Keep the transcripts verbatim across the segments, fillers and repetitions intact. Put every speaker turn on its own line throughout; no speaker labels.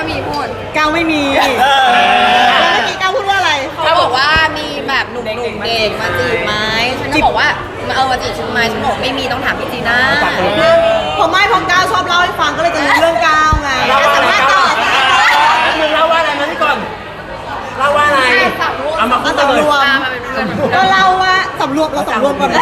มีพูด
ก้าวไม่มีแล้วเมื่อกี้ก้าวพูดว่าอะไร
เขาบอกว่ามีแบบหนุ่มๆเด็กมาจีบไหมฉันก็บอกว่ามาเอามาจีบฉันไหมฉันบอกไม่มีต้องถามพี่จีน่า
ผมไม่พอก้าวชอบเล่าให้ฟังก็เลยจะรู้เรื่องก้าวไงสัมภาษณ์ต่อ
มึงเล่าว่าอะไรมาที่ก่อนเล่าว่าอะไรเอามาพูด
สำ
เล
ร
ยว
มก็เล่าว่าสำรวมเราสำรวมก่อนนะ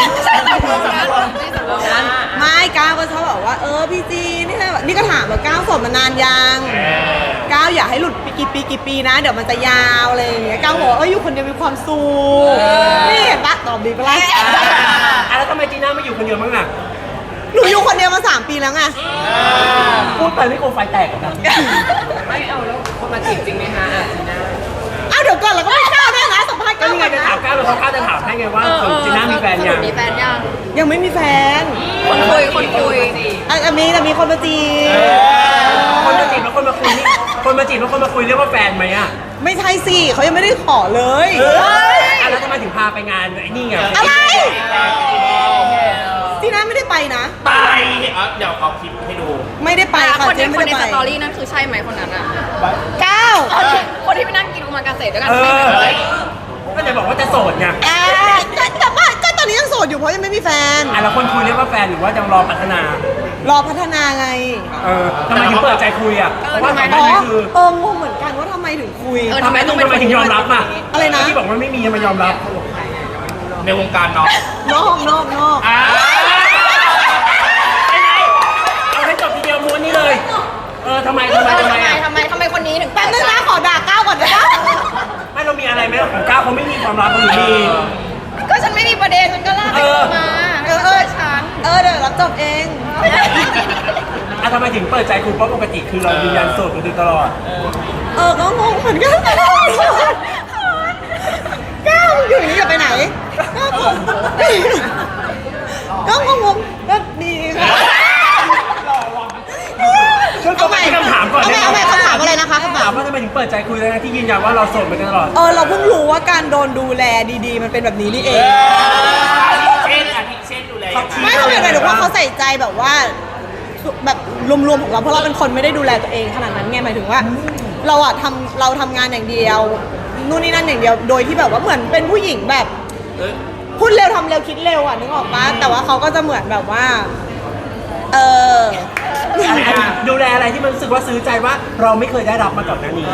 ไม่ก้าวก็ชอบบอกว่าเออพี่จีนี่แบบนี่ก็ถามว่าก้าวโสดมานานยังก้าวอยากให้หลุดปีกี่ปีกี่ปีนะเดี๋ยวมันจะยาวอะไรอย่างเงี้ยก้าวบอกเอออยู่คนเดียวมีความสุขนี่เห็นปะตอบดีปะล่ะ
อ่ะแล้วทำไมจีน่าไม่อยู่คนเดียวบ้างอ่ะ
หนูอยู่คนเดียวมาสามปีแล้วไง
พูดไปไม่โกงไฟแตกกัน
ไม่เอาแล้วคนมาจีบจริงไหมคะอ่ะจีน่า
อ้าวเดี๋ยวก่อนเราก็ไม่กล้าด้วยนะสัมภาษณ์
ก็
ก้าว
นี่ไง
ก่อน
จะ
นะ
ถามก้าวแล้วเขาก้าวจะถามให้ไงว่าจีน่ามีแฟนยัง
มีแฟนยัง
ยังไม่มีแฟน
คนคุยคนคุย
อ่ะมีแต่มีคนมาจีบ
คนมาจีบแล้วคนมาคุยนี่คนมาจีบแล้วคนมาคุยเรียกว่าแฟนไหมอ่ะ
ไม่ใช่สิเขายังไม่ได้ขอเลย
อ่ะแล้วทำไมถึงพาไปงานไอ้นี่ไง
อะไรจีน่าไม่ได้ไปนะ
ไป
เดี๋ยวเอาคลิปให้ดู
ไม่ได้ไปค่ะ
คน
เจ๊
ใน
ไม่
คน
ได้
ใน
ไป
สตอรี่นั่นคือใช่ไหมคนนั้นอ่ะ
ก้าว
คนที่คนที่ไปนั่งกินโอมากาเสะด้วยกัน
เอ
ใช่ไหม
อก็จะบอกว่าจะโสดไง
อ่าก็แต่ว่าก็ตอนนี้ยังโสดอยู่เพราะยังไม่มีแฟน
อ่ะแล้วคนคุยเรียกว่าแฟนหรือว่ายังรอพัฒนา
รอพัฒนาไง
เออทำไมถึงเปิดใจคุยอ่ะเพราะว่าก่อนห
อ๋
น้า
อ
นี้คือ
เอองงเหมือนกันว่าทำไมถึงคุย
ทำไมต้องทำไมถึงยอมรับอ่ะ
อะไรนะ
ที่บอกว่าไม่มียังมายอมรับ
ในวงการเนาะ
นอกนอกนอก
อ่าไปไหนเอาให้จบทีเดียวม้วนนี้เลย เออทำไมทำไม
เออ
ทำ
ทำ
ไม
ไม
อ่ะ
ทำไมทำไมคนนี้ถึง
แป๊บนึงนะขอด่าก้าวก่อนได้ปะ
ไม่เรามีอะไรไหมของก้าวเขาไม่มีความลับหรือมี
ก็ฉันไม่มีประเด็นฉันก็ลากไปมา
เออเออ
ฉัน
เออเดี๋ยวรับจบเอง
อ่ะทำไมถึงเปิดใจคุยเพราะปกติคือเรายืนยันโสดมาโดยตลอด
เออก็งงเหมือนกันก้าวอยู่อย่างนี้อย่าไปไหนก้าวผมก็งงงก็ดีค่ะ
ช่วยตอบไปที่คำถามก่อน
เอา
ได้
ใหม่
ไหม
เอาใหม่คำถามอะไรนะคะคำถา
ถาม มว่าทำไมถึงเปิดใจคุยทั้งที่ยืนยันว่าเราโสดมาโดยตลอด
เออเราเพิ่งรู้ว่าการโดนดูแลดีๆ มันเป็นแบบนี้นี่เอง
เช่นอาทิเช่นดูแลยังไง
ไม่เขาหมายถึงว่าเขาใส่ใจแบบว่าแบบรวมๆของเราเพราะเราเป็นคนไม่ได้ดูแลตัวเองขนาดนั้นไงหมายถึงว่า เราอะทำเราทำงานอย่างเดียวนู่นนี่นั่นอย่างเดียวโดยที่แบบว่าเหมือนเป็นผู้หญิงแบบ
เอ้ย
พูดเร็วทำเร็วคิดเร็วอะนึกออกปะแต่ว่าเขาก็จะเหมือนแบบว่า เออ
อะไรอ่ะดูแลอะไรที่มันรู้สึกว่าซื้อใจว่าเราไม่เคยได้รับมาก่อนหน้านี้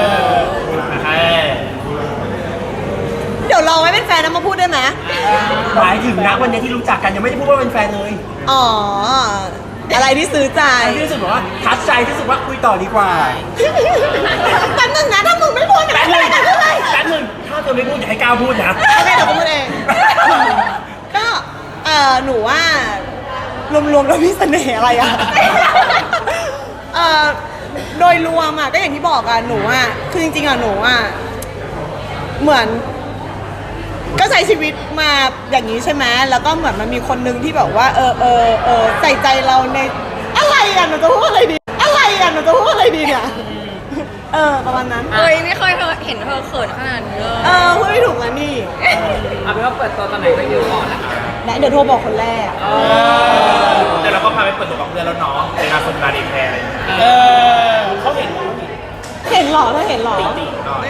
เดี๋ยวรอไว้เป็นแฟนนะมาพูดได้ไหม
หมายถึงนะวันนี้ที่รู้จักกันยังไม่ได้พูดว่าเป็นแฟนเลย
อ๋ออะไรที่ซื้อใจ
ที่รู้สึกว่าทัดใจที่รู้สึกว่าคุยต่อดีกว่า
แป๊บนึงนะถ้ามึงไม่พูด
แป๊บนึง
ไม่ได้เลย
แป๊บนึงถ้าเธอไม่พูดอย่าให้ก้าวพูดนะ
โอเคเดี๋ยวกูพูดเอง ก็เออหนูว่ารวมๆแล้วมีเสน่ห์อะไรอะเออโดยรวมอะก็อย่างที่บอกอะหนูอะคือจริงๆอะหนูอะเหมือน ก็ใช้ชีวิตมาอย่างนี้ใช่ไหมแล้วก็เหมือนมันมีคนนึงที่แบบว่า เออเออเออใส่ใจเราในอะไรอะหนูจะพูดอะไรดี อะไรอะหนูจะพูดอะไรดีเนี่ยเออประมาณนั้น
เฮ้ยไม่เคยเห็นเธอเขินขนาดนี้เลย
เออพูดไม่ถูกแล้วนี่
เอาเป็นว่าเปิดตัวตอนไหนก็อยู่ก่อนนะคะ
และเดี๋ยวโทรบอกคนแรก
แต่เราก็พาไปเปิดตัวกับเพื่อนแล้วเนาะในงานสงกรานต์อีกแพรอะไรอย่างเงี้ยเขาเห็น
เห็นเหรอเธอเห็นเหรอ
ติดหน่อย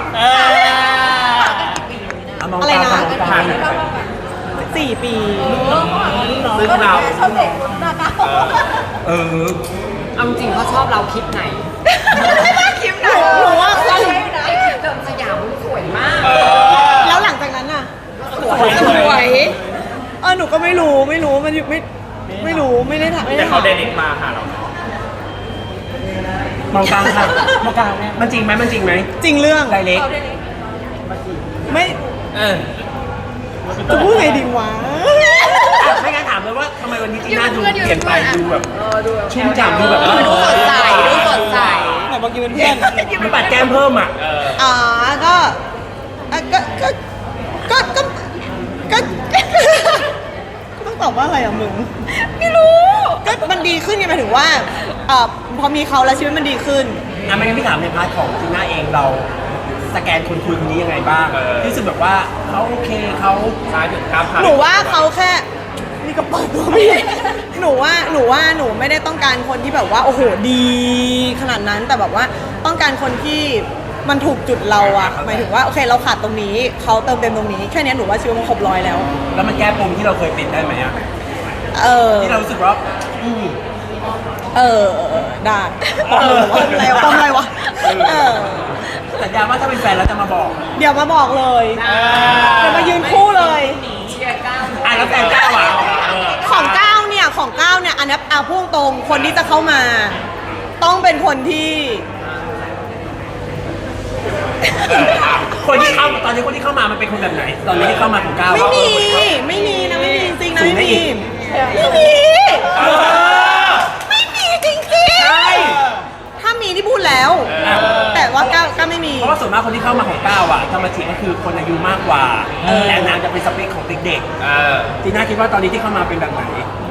อะไรนะ
ทาง
สี่ปี
ซึ่งเรา
เออ
เอาจริงเขาชอบเราคลิปไหน
คลิปไหน
หนูว่า
ใช่ไอ้คลิปเดิมสยามมันสวยมาก
แล้วหลังจากนั้นน่ะ
สวยสวย
เออหนูก็ไม่รู้ไม่รู้มันไม่ไม่รู้ไม่ได้ถามไม่
แต่
ได้
เขา
ถาม
เดนิกมาหาเรา
มองกลางค่ะมองกลางมันจริงไหมมันจริงไหม
จริงเรื่อง
ไดเล็ก
ไม่
เออ
จะพูดไงดีวะ
ไม่งั้นถามเลยว่าทำไมวันนี้จีน่าดูเปลี่ยนไปดูแบบชุ่มฉ่ำดูแบบ
ดูสดใสดูสดใส
ไหนบอกกินเป็นเพื่อน
มันปัดแก้มเพิ่มอ่ะ
อ๋อก็อ่ะก็ก็ก็ก็ก็ต้องตอบว่าอะไรอ่ะมึง
ไม่รู้
ก็มันดีขึ้นไงหมายถึงว่าเอ่อพอมีเขาแล้วชีวิตมันดีขึ้น
อ่ะไม่งั้นพี่ถามในพาร์ทของจีน่าเองเราสแกนคนคุยคนนี้ยังไงบ้างรู้สึกแบบว่าเขาโอเคเขา
ซ้ายถึงข้ามผ่าน
หนูว่าเขาแค่นี่ก็เปิดตัวไม่ได้หนูว่าหนูว่าหนูไม่ได้ต้องการคนที่แบบว่าโอ้โหดีขนาดนั้นแต่แบบว่าต้องการคนที่มันถูกจุดเราอะหมายถึงว่าโอเคเราขาดตรงนี้เขาเติมเต็มตรงนี้แค่นี้หนูว่าชีวิตมันครบร้อยแล้ว
แล้วมันแก้ปมที่เราเคยติดได้ไหมอะ
เออ
ที่เรารู้สึกว่าอืม
เออได้ปมอะไรวะปมอะไรวะเออ
สัญญาว่าถ้าเป็นแฟนแล้วจะมาบอก
เดี๋ยวมาบอกเลยเดี๋ยวมายืนคู่เลย
เชียร์ก้าว
อ่ะแล้วแฟนก้าวอ่ะเออ
ของก้าวเนี่ยของก้าวเนี่ยอันนี้เอาพุ่งตรงคนที่จะเข้ามา ต้องเป็นคนที่
คนที่เข้าตอนนี้คนที่เข้ามามันเป็นคนแบบไหน ตอนนี้ที่เข้ามาของก้าว
ไม่มีไม่มีนะไม่มีจริงนะ
สู
ไม่
งได้
มี
อีก
ไม่มี
เออ
ไม่มีจริง
ใช่
ๆถ้ามีที่พูดแล้ว
อ่ะ
แต่ว่าก้าวก้าวไม่มี
เพราะว่าส่วนมากคนที่เข้ามาของก้าวอ่ะธรรมจิก็คือคนอายุมากกว่าแต่นางจะเป็นสเปคของเด็ก
เออ
ๆจีน่าคิดว่าตอนนี้ที่เข้ามาเป็นแบบไหน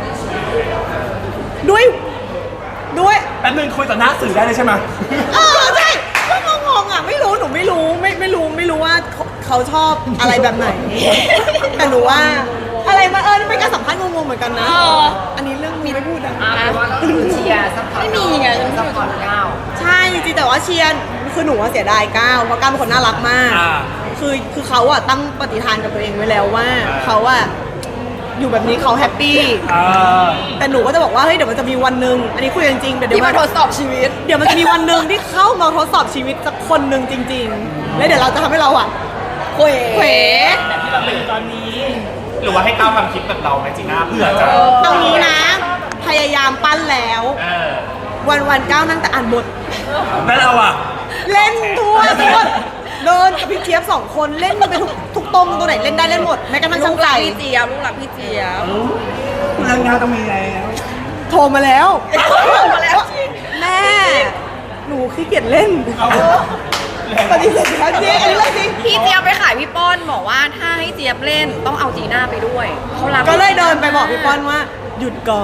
ด้วยด้วย
แป๊บนึงคุยต่อหน้าสื่อได้เลยใช่ไหม
เออใช่ก็งงๆอ่ะไม่รู้หนูไม่รู้ไม่ไม่รู้ไม่รู้ว่าเขาเขาชอบอะไรแบบไหน แต่หนูว่าอะไรมาเออเป็นการสัมภาษณ์งงๆเหมือนกันนะอันนี้เรื่องมีไม่พูดนะ
อ่ะแปลว่าเราคือเชียร์ซัพพอร์ต
ไม่มีไง
ซัพพอร์ตก้าว
ใช่จริงๆแต่ว่าเชียร์คือหนูว่าเสียดายก้าวเพราะก้าวเป็นคนน่ารักมาก
อ่า
คือคือเขาอะตั้งปฏิฐานกับตัวเองไว้แล้วว่าเขาอะอยู่แบบนี้เขาแฮปปี้
เออ
แต่หนูก็จะบอกว่าเฮ้ยเดี๋ยวมันจะมีวันหนึ่งอันนี้คุยกันจริงๆเดี๋ยวเดี๋
ที่
ยว
มา
มัน
ทดสอบชีวิต
เดี๋ยวมันจะมีวันหนึ่งที่เข้ามาทดสอบชีวิตสักคนหนึ่งจริง ๆ แล้วเดี๋ยวเราจะทำให้เราอะเขวเขว
แบบที่เราเป็นตอนนี้ หรือว่าให้ก้าวทำคลิปแบบเราไหมจีน่าเพื่อจะ
เอางี้นะ พยายามปั้นแล้ว
เออ
วันวันๆก้าวนั่งแต่อ่านบท
แล้วเราอ่ะ
เล่นทั่วทุกคนเดินกับพี่เจี๊ยบสองคนเล่นมันไปทุกทุกตรงตัวไหนเล่นได้เล่นหมดแม้กระทั่ง
ลู
ช่าง
กห
ใจ
ลักพี่เจี๊ยบลูกหลักพี่เจี๊ยบ
เรื่องงานต้องมีไง
โทรมาแล้วโทรมาแล้ว แม่ หนูขี้เกียจเล่นปฏิเสธแล้วจริงอันนี้เรื่องจริง
พี่เจี๊ยบไปขายพี่ป้อนบอกว่าถ้าให้เจี๊ยบเล่นต้องเอาจีน่าไปด้วยเขารัก
ก็เลยเดินไปบอกพี่ป้อนว่า หยุดก่อน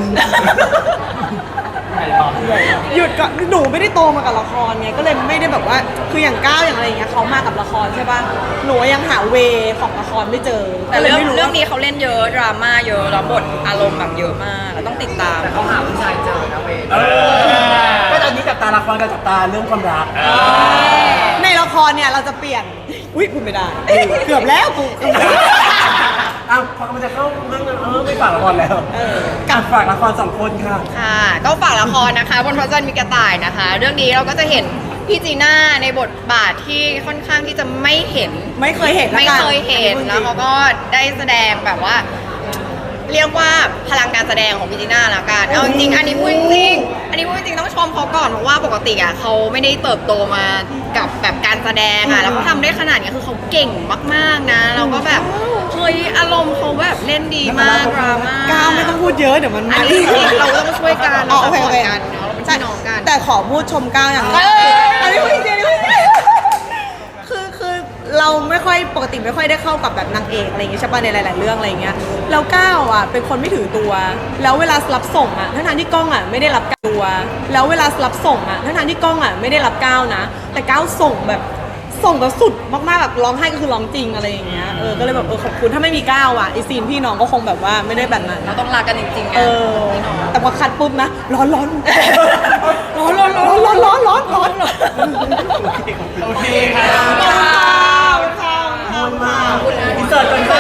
หยุดก่อนหนูไม่ได้โตมากับละครไงก็เลยไม่ได้แบบว่าคืออย่างก้าวอย่างอะไรอย่างเงี้ยเขามากับละครใช่ป่ะหนูยังหาเวของละครไม่เจอ
แต่
ก็เลย
เรื่อง
ไม่รู้
เรื่อง
ว่า
นี้เขาเล่นเยอะดราม่าเยอะแล้วบทอารมณ์แบบเยอะมากเราต้องติดตาม
แต่เขาหาผู้ชายเจอนะเวย
เออก็ตอนนี้จับตาละครกับจับตาเรื่องความรัก
ในละครเนี่ยเราจะเปลี่ยนอุ้ยพูดไม่ได้ เกือบแล้วกู
อ้าวพอกำลังจะเข้าเรื่องนั้นเออไม่ฝากละครแล้ว
เออ
กับฝากละครสองคนค่ะ
ค่ะก็ฝากละครนะคะบนพระจันทร์มีกระต่ายนะคะ เรื่องนี้เราก็จะเห็นพี่จีน่าในบทบาทที่ค่อนข้างที่จะไม่เห็น
ไม่เคยเห็นละ
ไม่
กัน
เคยเห็นแล้วเขาก็ได้แสดงแบบว่า เรียกว่าพลังการแสดงของพี่จีน่าละกันเอาจริงๆอันนี้พูดจริงๆอันนี้พูดจริงๆต้องชมเขาก่อนเพราะว่าปกติอ่ะเขาไม่ได้เติบโตมากับแบบการแสดงอ่ะแล้วเขาทำได้ขนาดนี้คือเขาเก่งมากๆนะแล้วก็แบบเฮ้ยอารมณ์เขาแบบเล่นดีมากดราม่า
ก้าวไม่ต้องพูดเยอะเดี๋ยวมัน
อันนี้จริงๆเราต้องช่วยกัน
อ๋อ
เรา
โอ
ส
เค โอเค
ปอร์ตกันเนาะเราเป็นพี่น้องกัน
แต่ขอพูดชมก้าวอย่างหนึง
เออ
อันนี้พูดจริงๆอันนี้พูดจริงๆคือคือเราไม่ค่อยปกติไม่ค่อยได้เข้ากับแบบนางเอกอะไรอย่างเงี้ยใช่ป่ะในหลาย ๆ เรื่องอะไรอย่างเงี้ยแล้วก้าวอ่ะเป็นคนไม่ถือตัว แล้วเวลารับส่งอ่ะทั้งๆที่กล้องอ่ะไม่ได้รับตัว แล้วเวลารับส่งอ่ะทั้งๆที่กล้องอ่ะไม่ได้รับก้าวนะ แต่ก้าวส่งแบบส่งแบบสุดมากๆแบบร้องไห้ก็คือร้องจริงอะไรอย่างเงี้ยเออก็เลยแบบเออขอบคุณถ้าไม่มีก้าวอ่ะไอซีนพี่น้องก็คงแบบว่าไม่ได้แบบนั้น
เราต้องรักกันจริงๆไง
เออแต่พอคัดปุ๊บนะร้อนร้อนร้อนร้อนร้อนร้อนร้อนร้อนร้อน
โอเคค่ะ
ขอบคุณค่ะขอบคุณค่ะ
อินเสิร์ตก่อน